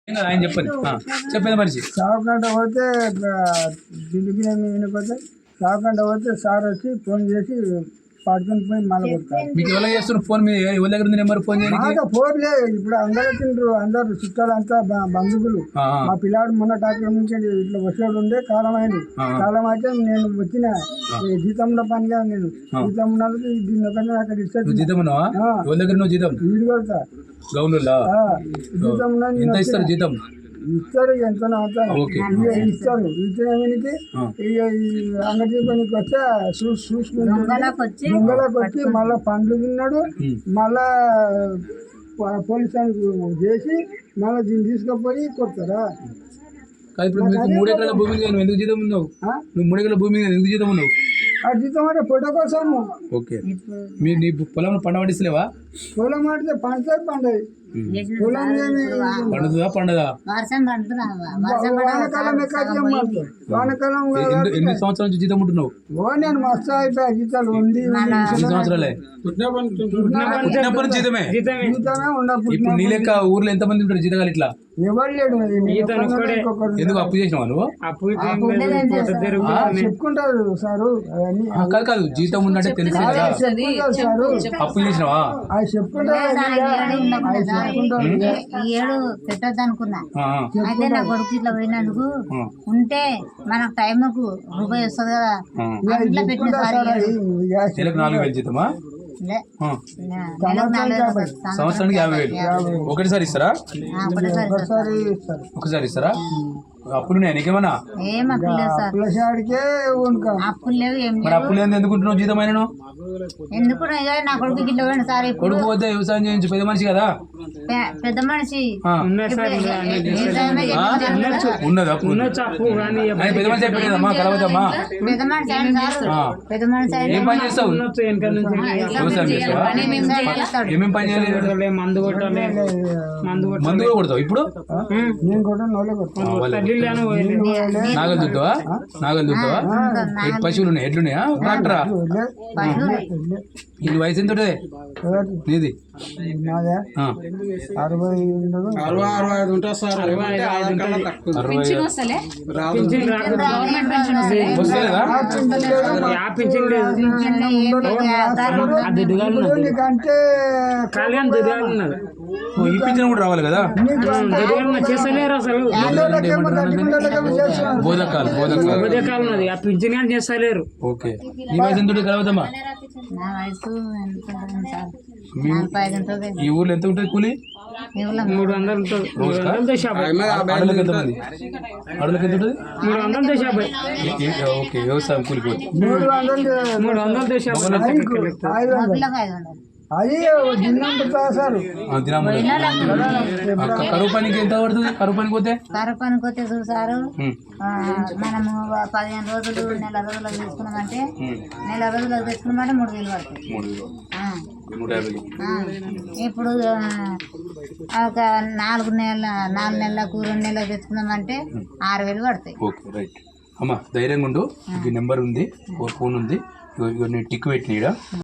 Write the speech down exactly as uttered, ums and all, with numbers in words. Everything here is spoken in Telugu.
ఆయన చెప్పండి చెప్పేది మనిషి సాగుకంట పోతే దిల్లుకి పోతే సాగుకంట పోతే సార్ వచ్చి ఫోన్ చేసి పడుకుని పోయి మళ్ళీ కొడతారు. మీకు ఎవరు చేస్తున్నారు ఫోన్? మీ ఎవరి దగ్గర ఉంది నెంబర్ ఫోన్ చేయడానికి? ఫోన్ లేదు. ఇప్పుడు అందరూ వచ్చిండ్రు, అందరు చుట్టాలంతా బంధువులు. మా పిల్లాడు మొన్న డాక్టర్ నుంచి ఇట్లా వచ్చాడు ఉండే కాలం అయింది. కాలం అయితే నేను వచ్చిన జీతంలో పనిగా నేను జీతం ఉన్నది దీన్ని ఒకటి అక్కడ ఇస్తాను. జీతం ఉన్నావా? ఎవరి దగ్గర నువ్వు జీతం? వీడు కొడతా గౌన్లో జీతం ఎంత ఇస్తారు? జీతం ఇస్తాడు, ఎంత ఇస్తాడు. ఇచ్చేకి ఇక అంగడి పనికి వచ్చా చూసి చూసుకుంటూ దొంగలకు వచ్చి మళ్ళా పండ్లు తిన్నాడు. మళ్ళా పోలీస్ చేసి మళ్ళీ దీన్ని తీసుకుపోయి కొడతారా? ఇప్పుడు మూడు ఎకరాల భూమి నువ్వు ఎందుకు జీతం ఉన్నావు? నువ్వు మూడు ఎకరాల భూమి ఎందుకు జీతం ఉన్నావు? ఆ జీతం అంటే ఫోటో కోసము. ఓకే, మీ నీ పొలంలో పంట పండిస్తలేవా? పొలం అంటే పండుతుంది పండదు. పండుతుందా పండదా? వానకాలం ఎక్కడ వానకాలం ఎన్ని సంవత్సరాల నుంచి జీతం ఉంటున్నావు? ఓ నేను మస్తు అయిపోయా జీతాలు ఉంది. సంవత్సరాలే పుట్టినప్పటి నుంచి జీతమే జీతమే ఉండదు. ఇప్పుడు నీ లెక్క ఊర్లో ఎంత మంది ఉంటారు జీతగాలు? ఇట్లా ఎవరు లేడు. ఎందుకు అప్పు చేసినావా నువ్వు? చెప్పుకుంటారు సారు. కాదు కాదు జీతం ఉన్నట్టే తెలుసు కదా. అప్పు చేసినావా? అది చెప్పుకుంటారు. ఏడు పెట్టద్దు అనుకున్నా. అయితే నా కొడుకు ఇట్లా పోయినందుకు ఉంటే మనకు టైంకు రూపాయి వస్తుంది కదా. ఇట్లా పెట్టిన నాలుగు వేలు జీతమా? సంవత్సరానికి యాభై వేలు ఒకటిసారి ఇస్తారా? ఒకసారి ఇస్తారా? అప్పులు నీకేమన్నా? అప్పులు లేవు. మరి అప్పులు లేదు ఎందుకుంటున్నావు? జీతమైన ఎందుకు నా కొడుకు గిట్ల పోయిన సార్. కొడుకు పోతే వ్యవసాయం చేయించు, పెద్ద మనిషి కదా. పెద్ద మనిషి ఉన్నది అప్పు. పెద్ద మనిషి అయిపోయిందమ్మా, కలవద్దమ్మా. పెద్ద మనిషి పెద్ద మనిషి ఏం పని చేస్తావు? వ్యవసాయం చేస్తావా? ఏమేమి పని చేయాలి? మందు కొట్టాలి. మందు కూడా కొడతావు ఇప్పుడు? నాగలు దుద్దావా? నాగలు దుద్దావా? పశువులు ఉన్నాయి, ఎడ్లున్నాయా? ట్రాక్టరా? ఇది వయసు ఎంత ఉంటుంది నీది? అరవై అరవై అరవై ఐదు ఉంటుంది సార్. ఈ పింఛన్ కూడా రావాలి కదా. చేస్తలేరు అసలు. బోధకాలు బోధకాలు బోధకాలు ఉన్నది, ఆ పింఛన్ కానీ చేస్తలేరు. ఓకే, నీ వయసు ఎంత కలవద్దమ్మా? ఈ ఊర్లో ఎంత ఉంటుంది కూలి? మూడు వందలు ఉంటుంది. మూడు వందలతో యాభై. అడవులకు ఎంత మంది? అడవులకు ఎంత ఉంటుంది? మూడు వందలతో యాభై. ఓకే, వ్యవసాయం కూలి పోయి మూడు వందలతో అది సార్. కరువు పనికి ఎంత పడుతుంది? కరువు పనికి పోతే కరువు పనికి పోతే చూసారు. మనము పదిహేను రోజులు నెల రోజులకు తీసుకున్నామంటే నెల రోజులకు తీసుకున్నామంటే మూడు వేలు పడుతుంది. ఇప్పుడు ఒక నాలుగు నెలల నాలుగు నెలలకు రెండు నెలలకు తెచ్చుకున్నామంటే ఆరు వేలు పడతాయి. ఓకే, రైట్ అమ్మా, ధైర్యంగా ఉండు. ఈ నెంబర్ ఉంది, ఫోన్ ఉంది, టిక్ పెట్టిన.